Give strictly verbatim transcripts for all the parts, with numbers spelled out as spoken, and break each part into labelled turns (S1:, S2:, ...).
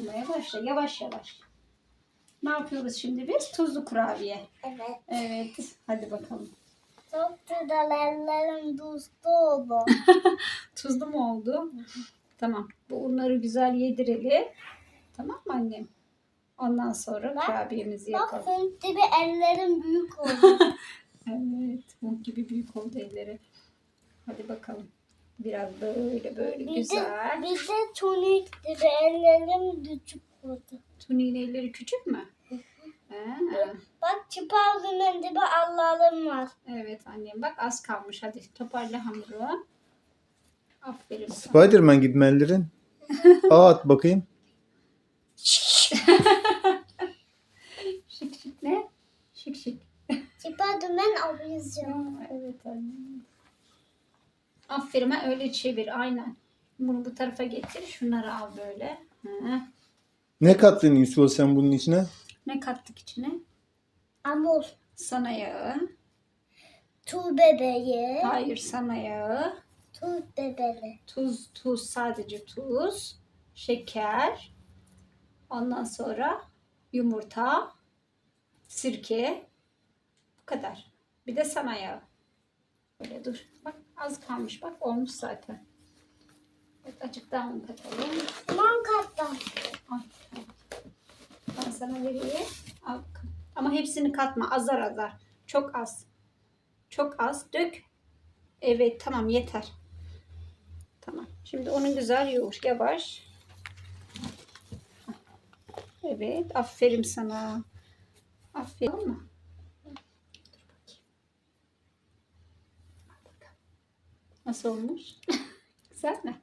S1: yoğurmaya başla. Yavaş yavaş. Ne yapıyoruz şimdi biz? Tuzlu kurabiye.
S2: Evet.
S1: Evet. Hadi bakalım.
S2: Çok güzel, ellerim tuzlu oldu.
S1: Tuzlu mu oldu? Tamam. Bu unları güzel yedirelim. Tamam mı annem? Ondan sonra
S2: Bak,
S1: kurabiyemizi
S2: Bak
S1: yapalım.
S2: Hint gibi ellerim büyük oldu.
S1: Evet. Mum gibi büyük oldu elleri. Hadi bakalım. Biraz böyle böyle
S2: bir
S1: güzel.
S2: De, bir de tonik gibi ellerim küçük oldu.
S1: Tuni'nin elleri küçük mü? Ha.
S2: Bak çıpardımın gibi Allah'ım var.
S1: Evet annem. Bak az kalmış. Hadi toparla hamuru. Aferin sana.
S3: Spiderman gibi mi ellerin? Aa, at bakayım.
S1: Şık şık ne? Şık şık.
S2: Çıpardımın alacağım.
S1: Ya, evet annem. Aferin, ha, öyle çevir aynen. Bunu bu tarafa getir. Şunları al böyle. Hı.
S3: Ne kattın Yusuf sen bunun içine?
S1: Ne kattık içine?
S2: Amul,
S1: Sana yağı.
S2: tu bebeği,
S1: Hayır, sana yağı.
S2: tu bebeği.
S1: Tuz, tuz, sadece tuz. Şeker. Ondan sonra yumurta. Sirke. Bu kadar. Bir de sana yağı. Böyle dur. Bak az kalmış. Bak olmuş zaten. Evet, azıcık daha un katalım.
S2: Limon katlam.
S1: Al. Ben sana vereyim. Al. Ama hepsini katma. Azar azar. Çok az. Çok az. Dök. Evet tamam yeter. Tamam. Şimdi onu güzel yoğur. Yavaş. Evet. Aferin sana. Aferin. Tamam mı? Dur bakayım. Al bakalım. Nasıl olmuş? Güzel mi?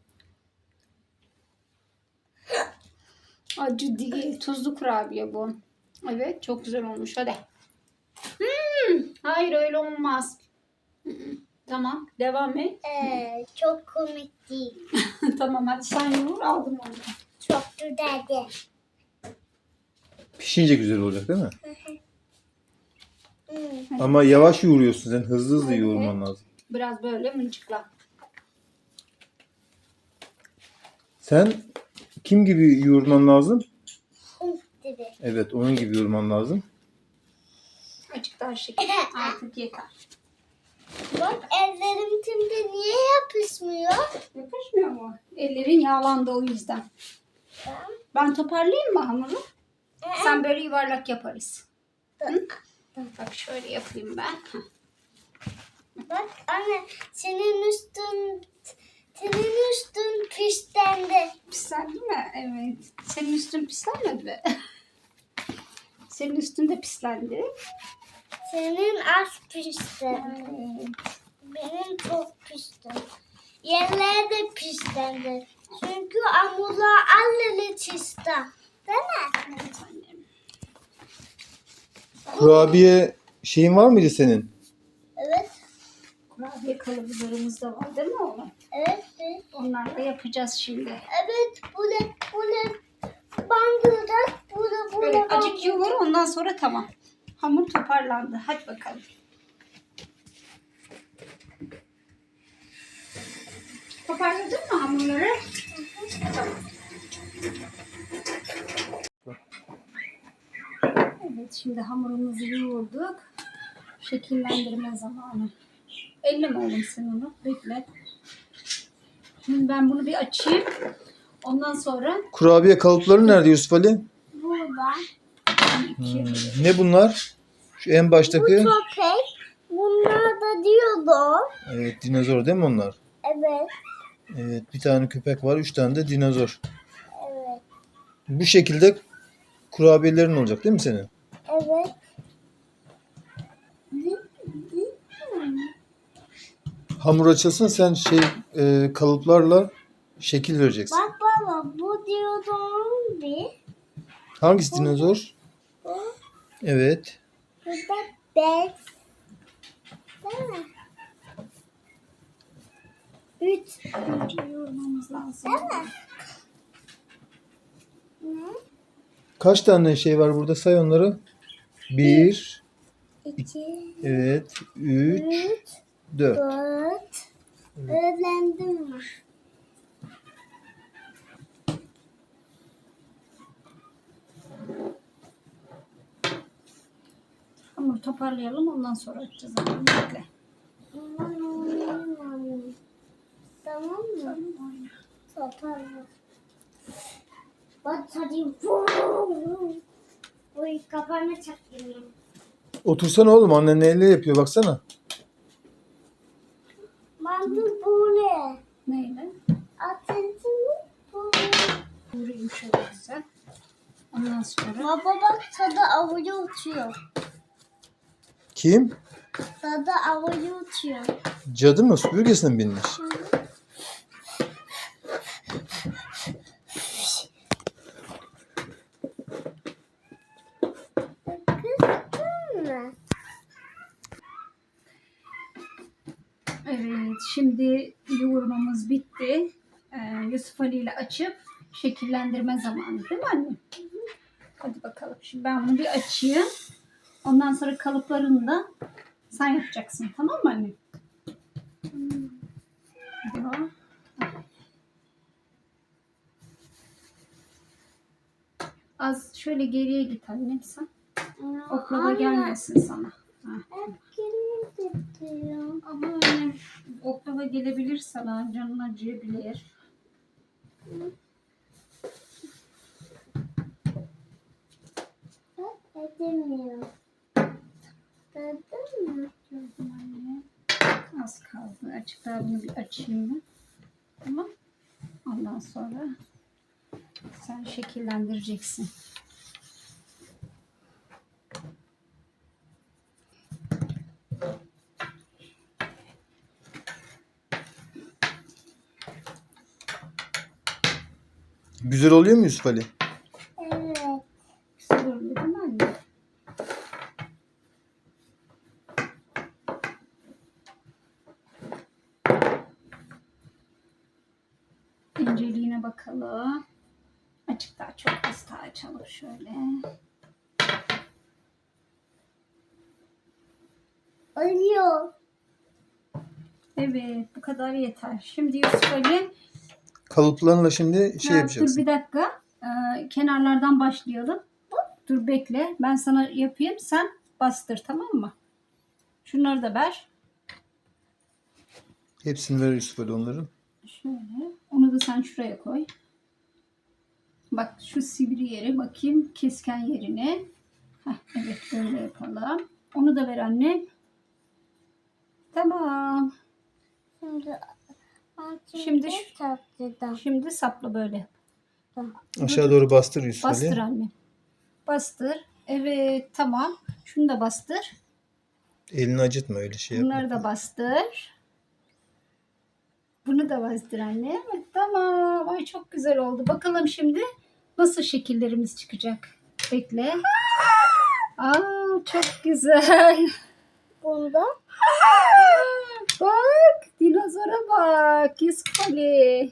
S1: Acı değil. Tuzlu kurabiye bu. Evet. Çok güzel olmuş. Hadi. Hmm, hayır öyle olmaz. Hmm, tamam. Devam et.
S2: Ee, çok komik değil.
S1: Tamam hadi sen yoğur. Aldım onu.
S2: Çok güzeldi.
S3: Pişince güzel olacak değil mi?
S2: Hmm.
S3: Ama yavaş yoğuruyorsun sen. Hızlı hızlı
S1: Evet.
S3: yoğurman lazım.
S1: Biraz böyle mıncıkla.
S3: Sen kim gibi yoğurman lazım?
S2: Hint gibi.
S3: Evet, onun gibi yoğurman lazım.
S1: Azıcık daha şeker. Artık yeter.
S2: Bak ellerim şimdi niye yapışmıyor?
S1: Yapışmıyor mu? Ellerin yağlandı o yüzden.
S2: Ben,
S1: Ben toparlayayım mı hamuru? Sen böyle yuvarlak yaparız. Hı? Bak şöyle yapayım ben.
S2: Bak anne senin üstün senin üstün pişlendi.
S1: Pislendi mi? Evet. Senin üstün pislenmedi mi? Senin üstün de pislendi.
S2: Senin az pişlendi.
S1: Evet.
S2: Benim çok pişti. Yerler de pişlendi. Çünkü amula alleli çizdi. Değil mi?
S1: Evet annem.
S3: Kurabiye şeyin var mıydı senin?
S2: Evet.
S1: Kurabiye kalıplarımız da var değil mi oğlum?
S2: Evet. Evet.
S1: Onları da yapacağız şimdi.
S2: Evet. Bu ne? Bu ne? Bandıracak. Bu ne? Bu
S1: Böyle
S2: ne?
S1: acık yoğur ondan sonra tamam. Hamur toparlandı. Hadi bakalım. Toparladın mı hamurları? Tamam. Evet şimdi hamurumuzu yoğurduk. Şekillendirme zamanı. Elle mi oğlum sen onu? Bekle. Şimdi ben bunu bir açayım. Ondan sonra
S3: Kurabiye kalıpları nerede Yusuf Ali?
S2: Burada.
S1: iki.
S3: Hmm, ne bunlar? Şu en baştaki.
S2: Bu köpek. Bunlar da diyordu.
S3: Evet, dinozor değil mi onlar?
S2: Evet.
S3: Evet, bir tane köpek var, üç tane de dinozor.
S2: Evet.
S3: Bu şekilde kurabiyelerin olacak değil mi senin?
S2: Evet.
S3: Hamur açılsın, sen şey e, kalıplarla şekil vereceksin.
S2: Bak baba bu diyordum bir.
S3: Hangisi dinozor?
S2: Bu.
S3: Evet.
S2: Bu da beş. Değil mi? Üç.
S1: Önce yoğurmamız lazım.
S2: Değil mi? Ne?
S3: Kaç tane şey var burada? Say onları. Bir,
S2: İki.
S3: evet, üç,
S2: Üç.
S3: dört.
S2: Dört. Öğrendim mi?
S1: toparlayalım. Ondan sonra açacağız. Annem. Bekle.
S2: Aman oynayamam. Tamam mı?
S1: Tamam, oyna.
S2: Toparla. Bak hadi. Oy kafana çaktım.
S3: Otursana oğlum, annen neyle yapıyor baksana.
S2: Bandı böyle.
S1: Neyle?
S2: Atentimi böyle.
S1: Vurayım şöyle güzel. Ondan sonra
S2: Baba bak tadı havaya uçuyor.
S3: Kim?
S2: Tadı havaya uçuyor.
S3: Cadı mı? Süpürgesine mi binmiş?
S2: Kızdın mı?
S1: evet, şimdi yoğurmamız bitti. Ee, Yusuf Ali ile açıp şekillendirme zamanı değil mi anne? Hadi bakalım. Şimdi ben bunu bir açayım. Ondan sonra kalıplarını da sen yapacaksın. Tamam mı anne? Hadi o. Az şöyle geriye git annem sen. Oklava
S2: Anne,
S1: gelmesin sana. Ha.
S2: hep geri gidiyor.
S1: Ama annem oklava gelebilir sana. Canın acıyabilir.
S2: Bak edemiyor. Gördün mü?
S1: Gördüm anne. Az kaldı. Açık daha bunu bir açayım ben. Tamam. Ondan sonra sen şekillendireceksin.
S3: Güzel oluyor mu Yusuf Ali?
S2: Evet.
S1: Güzel oluyor değil mi anne? İnceliğine bakalım. Açık daha çok az daha açalım şöyle.
S2: Ölüyor.
S1: Evet, bu kadar yeter. Şimdi Yusuf Ali,
S3: Kalıplarla şimdi şey
S1: ha, dur
S3: yapacaksın.
S1: bir dakika. Ee, kenarlardan başlayalım. Dur bekle. Ben sana yapayım. Sen bastır, tamam mı? Şunları da ver.
S3: Hepsini ver Yusuf Ali onların.
S1: Şöyle. Onu da sen şuraya koy. Bak şu sivri yeri bakayım. Kesken yerine. Heh, evet böyle yapalım. Onu da ver anne. Tamam.
S2: Şimdi
S1: Şimdi şu-
S2: tatlıdan.
S1: Şimdi sapla böyle.
S3: Aşağı doğru bastır Yusuf
S1: Bastır
S3: Ali.
S1: anne. Bastır. Evet tamam. Şunu da bastır.
S3: Elini acıtma, öyle şey yapma.
S1: Bunları da bastır. Bunu da bastır anne. Evet, tamam. Ay çok güzel oldu. Bakalım şimdi nasıl şekillerimiz çıkacak. Bekle. Aa çok güzel.
S2: Bunda
S1: Bak dinozora bak. Yusuf Ali.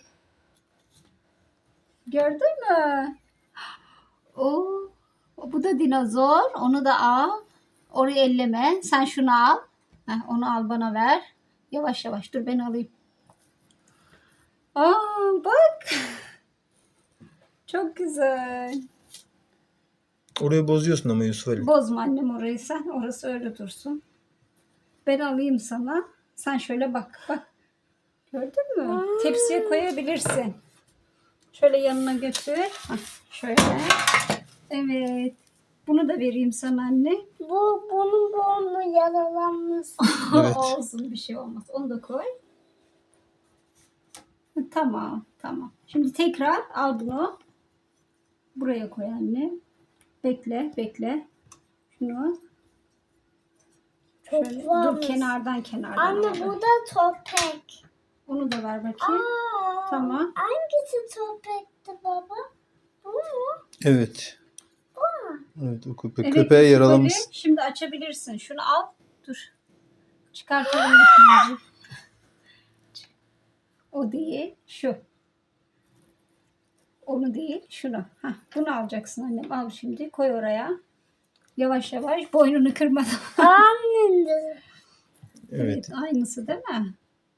S1: Gördün mü? Oo, bu da dinozor. Onu da al. Orayı elleme. Sen şunu al. Heh, onu al bana ver. Yavaş yavaş. Dur ben alayım. Aa bak. Çok güzel.
S3: Orayı bozuyorsun ama Yusuf Ali.
S1: Bozma annem orayı sen. Orası öyle dursun. Ben alayım sana. Sen şöyle bak. Bak. Gördün mü? Tepsiye koyabilirsin. Şöyle yanına götür. Hah, şöyle. Evet. Bunu da vereyim sana anne.
S2: bu bunun burnu yaralanmış.
S3: Evet.
S1: Olsun bir şey olmaz. Onu da koy. Tamam. Tamam. Şimdi tekrar al bunu. Buraya koy anne. Bekle. Bekle. Şunu. Şöyle, dur
S2: varmış.
S1: kenardan kenardan.
S2: Anne
S1: al.
S2: bu da topek.
S1: Onu da ver bakayım.
S2: Aa,
S1: Tamam.
S2: hangisi topekti baba? Bu mu?
S3: Evet. Evet, o köpe
S1: Evet,
S3: köpeğe
S1: Yusuf
S3: yaralamış.
S1: Ali, şimdi açabilirsin. Şunu al. Dur. Çıkartalım ikinci. O değil. Şu. Onu değil. Şunu. Heh, bunu alacaksın annem. Al şimdi. Koy oraya. Yavaş yavaş. Boynunu kırmadan.
S2: Annem.
S3: Evet.
S1: Aynısı değil mi?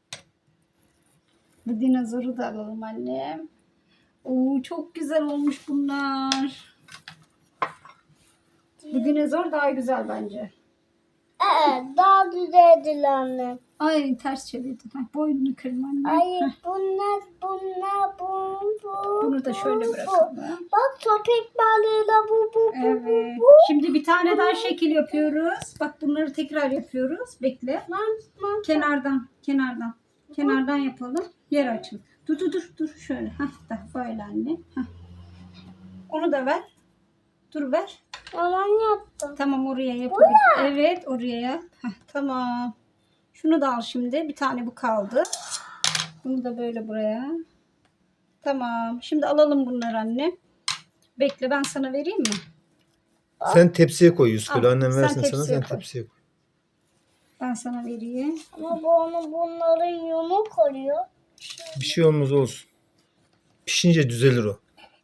S1: Bu dinozoru da alalım annem. Oo, çok güzel olmuş bunlar. Bu dinozor daha güzel bence.
S2: Evet, daha düzeldi annem.
S1: Ay ters çevirdin. Ha, boynunu kırma anne.
S2: Ay
S1: Heh,
S2: bunlar bunlar bu bu.
S1: bunu da şöyle
S2: bu, bu.
S1: bırakalım.
S2: Bak köpek balığıyla bu bu bu
S1: Evet.
S2: bu.
S1: Şimdi bir tane daha şekil yapıyoruz. Bak bunları tekrar yapıyoruz. Bekle.
S2: Man, man.
S1: Kenardan, kenardan. Kenardan yapalım. Yer açın. Dur dur dur dur şöyle. Hah da böyle anne. Hah. Onu da ver. Dur ver.
S2: Yalan yaptım.
S1: Tamam oraya yapabilir. Evet oraya yap. Heh, tamam. Şunu da al şimdi. Bir tane bu kaldı. Bunu da böyle buraya. Tamam. Şimdi alalım bunları anne. Bekle ben sana vereyim mi?
S3: Sen tepsiye koy Yusuf.
S1: Al,
S3: Öyle annem
S1: sen
S3: versin sana,
S1: tepsiye
S3: sen
S1: koy.
S3: tepsiye koy.
S1: Ben sana vereyim.
S2: Ama bu onu bunların yumuk oluyor.
S3: Bir şey olmaz olsun. Pişince düzelir o.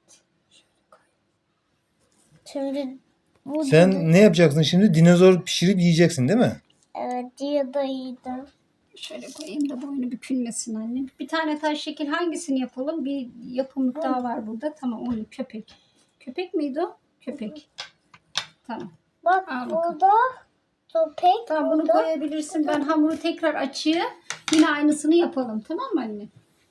S2: Şimdi bu
S3: Sen ne yapacaksın şimdi? Dinozor pişirip yiyeceksin değil mi?
S2: evet diye de iyiydi.
S1: Şöyle koyayım da boynu bükülmesin anne. Bir tane taş şekil hangisini yapalım? Bir yapımlık daha var burada. Tamam onu köpek. Köpek miydi o? Köpek. Tamam.
S2: Bak
S1: Al bakalım.
S2: burada köpek.
S1: Tamam bunu
S2: burada.
S1: koyabilirsin. Ben hamuru tekrar açayım. Yine aynısını yapalım. Tamam mı anne?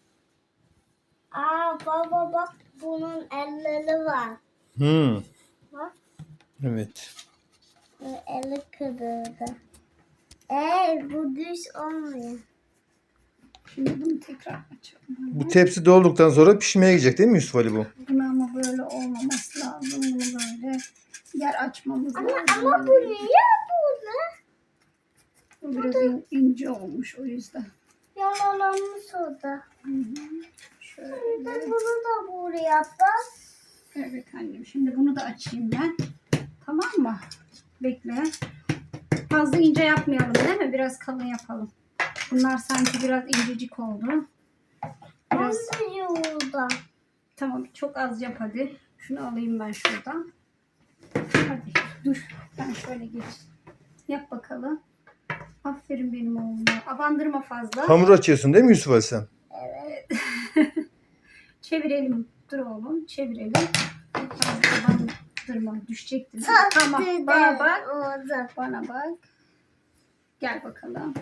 S2: Aa baba bak bunun elleri var.
S3: Hmm.
S2: Bak
S3: Evet.
S2: bu eli kırıldı. Eee bu düz olmuyor.
S1: Şimdi bunu tekrar açalım.
S3: Bu tepsi dolduktan sonra pişmeye gidecek değil mi Yusuf Ali bu?
S1: Bunu ama böyle olmaması lazım. Bunu böyle yer açmamız
S2: Ama,
S1: lazım.
S2: ama bu niye burada?
S1: Bu biraz in- ince olmuş o yüzden.
S2: Yaralanmış orada.
S1: Hı hı. Şöyle.
S2: Bir de bunu da buraya bak.
S1: Evet annem. Şimdi bunu da açayım ben. Tamam mı? Bekle. Fazla ince yapmayalım değil mi? Biraz kalın yapalım. Bunlar sanki biraz incecik oldu. Biraz
S2: Ben de yolda.
S1: tamam çok az yap hadi. Şunu alayım ben şuradan. Hadi dur. Ben şöyle geç. Yap bakalım. Aferin benim oğluma. Abandırma fazla.
S3: Hamur açıyorsun değil mi Yusuf Ali sen?
S1: Evet. Çevirelim. Dur oğlum. Çevirelim. Fazla abandırma. Düşecektir. Tamam. Bana bak.
S2: Orada.
S1: Bana bak. Gel bakalım.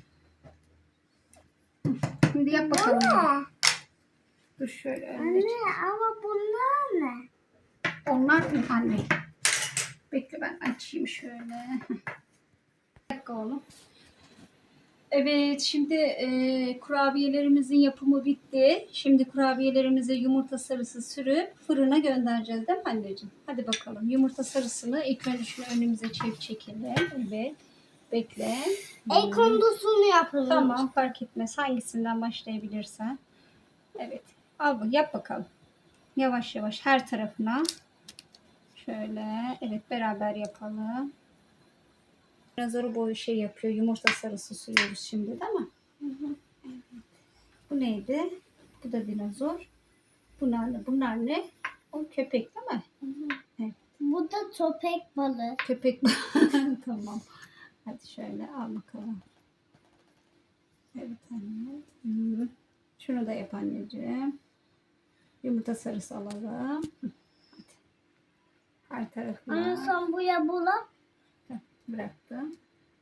S1: Şimdi yap bakalım.
S2: Ne?
S1: Dur şöyle önce.
S2: Anne ama bunlar ne?
S1: Onlar anne. Bekle ben açayım şöyle. Bir dakika oğlum. Evet şimdi e, kurabiyelerimizin yapımı bitti. Şimdi kurabiyelerimize yumurta sarısı sürüp fırına göndereceğiz değil mi anneciğim? Hadi bakalım. Yumurta sarısını ilk önce şunu önümüze çek çekelim. Evet. Bekle.
S2: El kondusunu yapalım.
S1: Tamam fark etmez. Hangisinden başlayabilirsen. Evet. Al bu yap bakalım. Yavaş yavaş her tarafına. Şöyle. Evet beraber yapalım. Dinozor boyu şey yapıyor. Yumurta sarısı sürüyoruz şimdi değil mi? Hı hı. Evet. Bu neydi? Bu da dinozor. Bunlar ne? Bunlar ne? O köpek değil mi?
S2: Hı hı.
S1: Evet.
S2: Bu da köpek balığı.
S1: Köpek. Tamam. Hadi şöyle al bakalım. Evet anne. Hı. Şunu da yap anneciğim. Yumurta sarısı alalım. Hı. Hadi. Her tarafına.
S2: Anne sen buraya bula.
S1: Heh, bıraktım.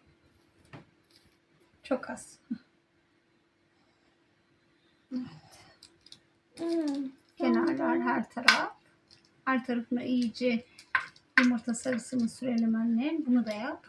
S1: Çok az.
S2: Hmm.
S1: Kenarlar her taraf. Her tarafına iyice yumurta sarısını sürelim annem. Bunu da yap.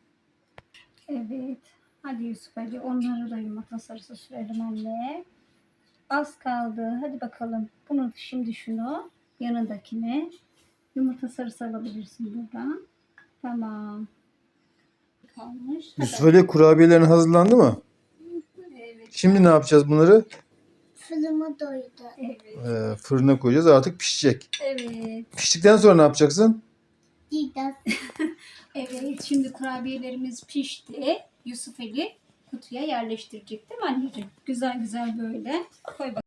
S1: Evet. Hadi Yusuf hadi onları da yumurta sarısı sürelim anne. Az kaldı. Hadi bakalım. Bunu şimdi şunu yanındakine yumurta sarısı alabilirsin buradan. Tamam. Kalmış. Hadi.
S3: Yusuf Ali kurabiyelerin hazırlandı mı?
S1: Evet.
S3: Şimdi ne yapacağız bunları?
S2: Fırımı doydu.
S1: Evet.
S3: Ee, fırına koyacağız, artık pişecek.
S1: Evet.
S3: Piştikten sonra ne yapacaksın?
S2: Gidas.
S1: Evet. Şimdi kurabiyelerimiz pişti. Yusuf Ali kutuya yerleştirecek değil mi anneciğim? Güzel güzel böyle. Koy bakalım.